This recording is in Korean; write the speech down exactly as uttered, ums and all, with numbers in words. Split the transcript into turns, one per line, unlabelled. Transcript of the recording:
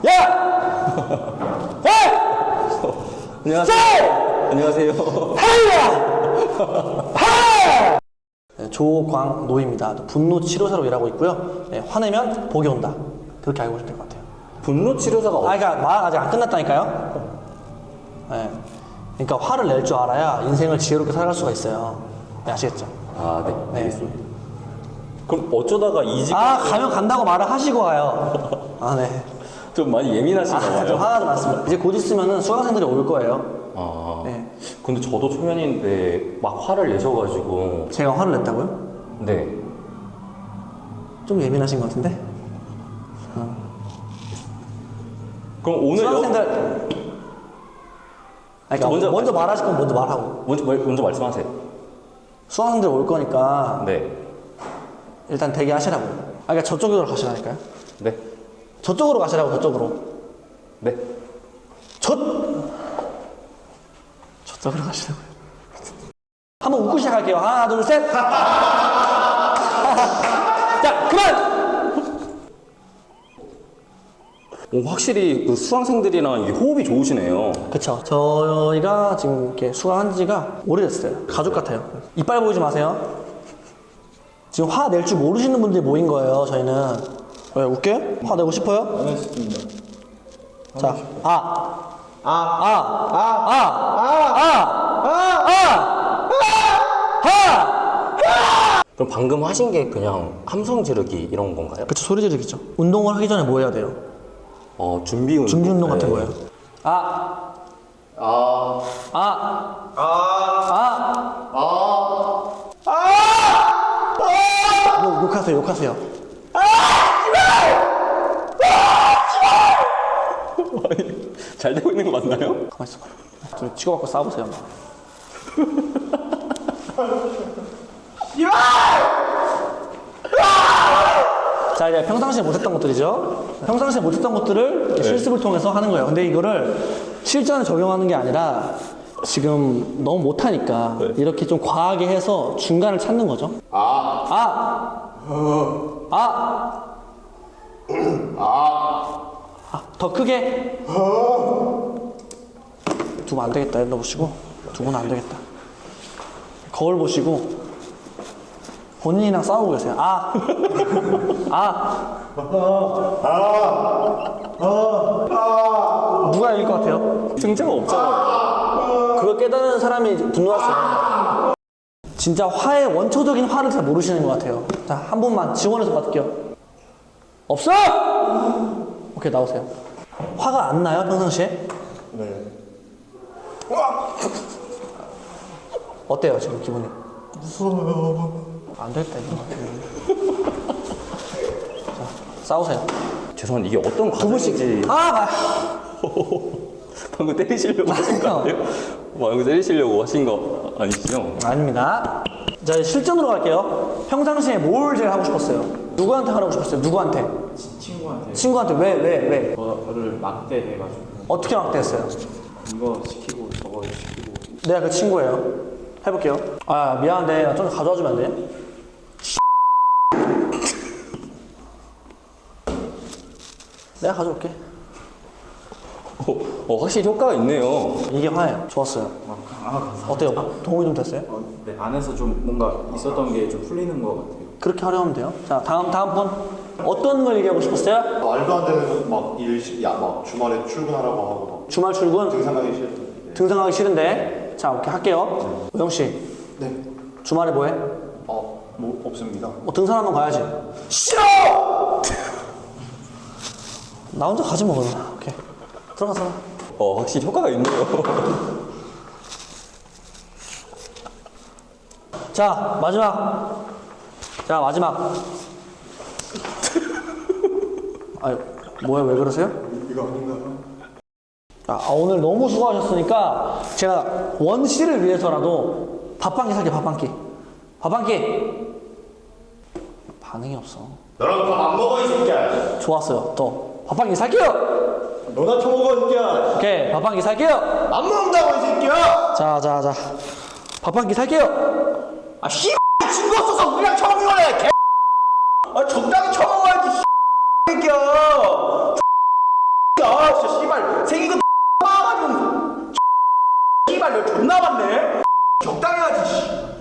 야! 야!
안녕하세요. 안녕하세요.
하이야! 하! 네, 조광노입니다. 분노 치료사로 일하고 있고요. 네, 화내면 복이 온다. 그렇게 알고 계시면 될 것 같아요.
분노 치료사가
아, 그러니까 말 아직 안 끝났다니까요. 네. 그러니까 화를 낼 줄 알아야 인생을 지혜롭게 살아갈 수가 있어요. 네, 아시겠죠?
아, 네.
네.
알겠습니다. 그럼 어쩌다가 이직
아, 가면 간다고 말을 하시고 가요. 아, 네.
좀 많이 예민하신가
아,
봐요.
좀 화가 좀 났습니다. 이제 곧 있으면은 수강생들이 올 거예요.
아.
네.
근데 저도 초면인데 막 화를 내셔가지고.
제가 화를 냈다고요?
네.
좀 예민하신 것 같은데?
그럼 오늘
수강생들.
여...
아니, 그러니까
먼저
먼저,
말씀-
말하실 거면 먼저 말하고.
먼저, 먼저 말씀하세요.
수강생들 올 거니까
네.
일단 대기하시라고. 아, 그러니까 저쪽으로 가시라니까요.
네.
저쪽으로 가시라고, 저쪽으로.
네.
저 저쪽으로 가시라고요. 한번 웃고 시작할게요. 하나, 둘, 셋. 자, 그만.
오, 확실히 그 수강생들이랑 이게 호흡이 좋으시네요.
그쵸. 저희가 지금 이렇게 수강한 지가 오래됐어요. 가족 같아요. 이빨 보이지 마세요. 지금 화 낼 줄 모르시는 분들이 모인 거예요, 저희는. 왜, 웃겨요? 화 내고 싶어요?
안 했습니다.
자, 아.
아,
아.
아,
아.
아,
아.
아,
아. 아.
그럼 방금 하신 게 그냥 함성 지르기 이런 건가요?
그쵸, 소리 지르기죠. 운동을 하기 전에 뭐 해야 돼요?
어, 준비 운동.
준비 운동 같은
네.
거예요. 아.
아,
아.
아,
아.
아,
욕, 욕하세요, 욕하세요.
잘 되고 있는 거 맞나요?
가만히 있어봐. 좀 치고받고 싸우세요. 자, 이제 평상시에 못했던 것들이죠. 평상시에 못했던 것들을 실습을 통해서 하는 거예요. 근데 이거를 실전에 적용하는 게 아니라 지금 너무 못하니까
네.
이렇게 좀 과하게 해서 중간을 찾는 거죠.
아,
아! 아! 아, 더 크게. 두 분 안 되겠다. 일로 보시고. 두 분은 안 되겠다. 거울 보시고. 본인이랑 싸우고 계세요. 아. 아. 누가 이길 것 같아요?
승자가 없잖아요.
그걸 깨달은 사람이 분노할 수 있는. 진짜 화의 원초적인 화를 잘 모르시는 것 같아요. 자, 한 분만 지원해서 받을게요. 없어! 오케이, 나오세요. 화가 안 나요, 평상시에?
네.
어때요, 지금 기분이?
무서워요.
안 되겠다, 이거. 자, 싸우세요.
죄송한데 이게 어떤
두 분씩.
과정인지
아, 말.
방금 때리시려고 하신 거 아니에요? 방금 때리시려고 하신 거 아니시죠?
아닙니다. 자, 이제 실전으로 갈게요. 평상시에 뭘 제일 하고 싶었어요? 누구한테 하라고 싶었어요? 누구한테?
친구한테
친구한테 왜, 왜, 왜?
저를 막대해가지고
어떻게 막대했어요?
이거 시키고 저거 시키고.
내가 그 친구예요. 해볼게요. 아, 미안한데, 나 좀 가져와 주면 안 돼? 내가 가져올게.
어, 어, 확실히 효과가 있네요.
이게 화예요. 좋았어요.
아, 아, 감사합니다.
어때요? 도움이 좀 됐어요?
어, 네, 안에서 좀 뭔가 있었던 게 좀 풀리는 것 같아요.
그렇게 하려 하면 돼요. 자, 다음, 다음 분. 어떤 걸 얘기하고 싶었어요?
말도 안 되는 막일 야, 막 주말에 출근하라고 하고
주말 출근?
막 등산하기 싫던데.
등산하기 싫은데. 자, 오케이, 할게요. 우영씨,
네.
주말에 뭐 해?
어, 뭐 없습니다.
뭐 등산 한번 가야지. 싫어! 나 혼자 가지 뭐, 그러면. 오케이. 들어가서.
어, 확실히 효과가 있네요.
자, 마지막. 자, 마지막. 아유, 뭐야, 왜 그러세요?
이거 아닌가?
아, 오늘 너무 수고하셨으니까 제가 원씨를 위해서라도 밥 한 끼 살게, 밥 한 끼. 밥 한 끼. 반응이 없어.
너랑 밥 안 먹어 이 새끼야.
좋았어요. 또. 밥 한 끼 살게요!
너나 처먹어 이 새끼야.
오케이, 밥 한 끼 살게요!
안 먹는다고 이 새끼야.
자, 자, 자. 밥 한 끼 살게요!
아 씨. 친구 없어서 우리랑 처먹으래. 개. 아 적당히 처먹어야지. 씨. 새끼야.
진짜 씨발 생긴 거 빠가지고 씨발 너 존나 많네 적당히 하지 씨